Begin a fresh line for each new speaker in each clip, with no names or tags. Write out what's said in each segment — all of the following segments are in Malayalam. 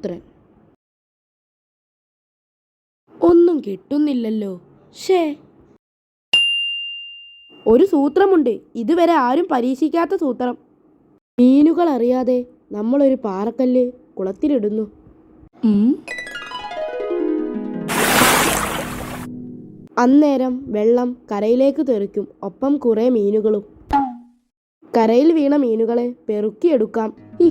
പുത്രൻ. ഒന്നും കിട്ടുന്നില്ലല്ലോ. ഷേ, ഒരു സൂത്രമുണ്ട്, ഇതുവരെ ആരും പരീക്ഷിക്കാത്ത സൂത്രം. മീനുകൾ അറിയാതെ നമ്മളൊരു പാറക്കല്ല് കുളത്തിലിടുന്നു. അന്നേരം വെള്ളം കരയിലേക്ക് തെറിക്കും, ഒപ്പം കുറെ മീനുകളും. കരയിൽ വീണ മീനുകളെ പെറുക്കിയെടുക്കാം.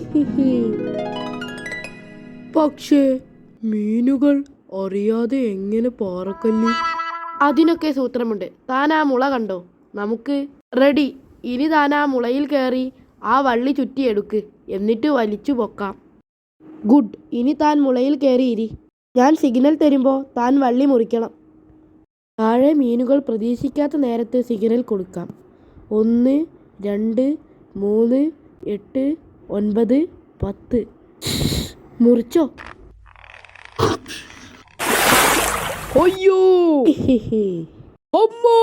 പക്ഷേ മീനുകൾ അറിയാതെ എങ്ങനെ പാറക്കല്ല്? അതിനൊക്കെ സൂത്രമുണ്ട്. താൻ ആ മുള കണ്ടോ? നമുക്ക് റെഡി. ഇനി താൻ ആ മുളയിൽ കയറി ആ വള്ളി ചുറ്റിയെടുക്ക്, എന്നിട്ട് വലിച്ചു പൊക്കാം. ഗുഡ്. ഇനി താൻ മുളയിൽ കയറിയിരി. ഞാൻ സിഗ്നൽ തരുമ്പോൾ താൻ വള്ളി മുറിക്കണം. താഴെ മീനുകൾ പ്രതീക്ഷിക്കാത്ത നേരത്ത് സിഗ്നൽ കൊടുക്കാം. 1, 2, 3, 8, 9, 10. മുറിച്ചോ? അയ്യോ, അമ്മോ!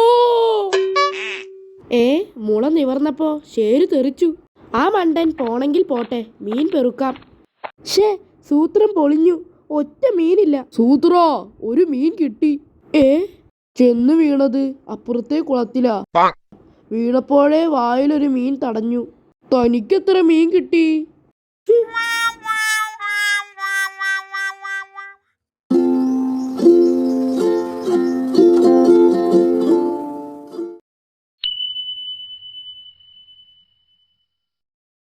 മുള നിവർന്നപ്പോ ശേര് തെറിച്ചു. ആ മണ്ടൻ പോണെങ്കിൽ പോട്ടെ, മീൻ പെറുക്കാം. സൂത്രം പൊളിഞ്ഞു. ഒറ്റ മീനില്ല. സൂത്രാ, ഒരു മീൻ കിട്ടി. ചെന്ന് വീണത് അപ്പുറത്തെ കുളത്തിലാ. വീണപ്പോഴേ വായിലൊരു മീൻ തടഞ്ഞു. തനിക്കെത്ര മീൻ കിട്ടി?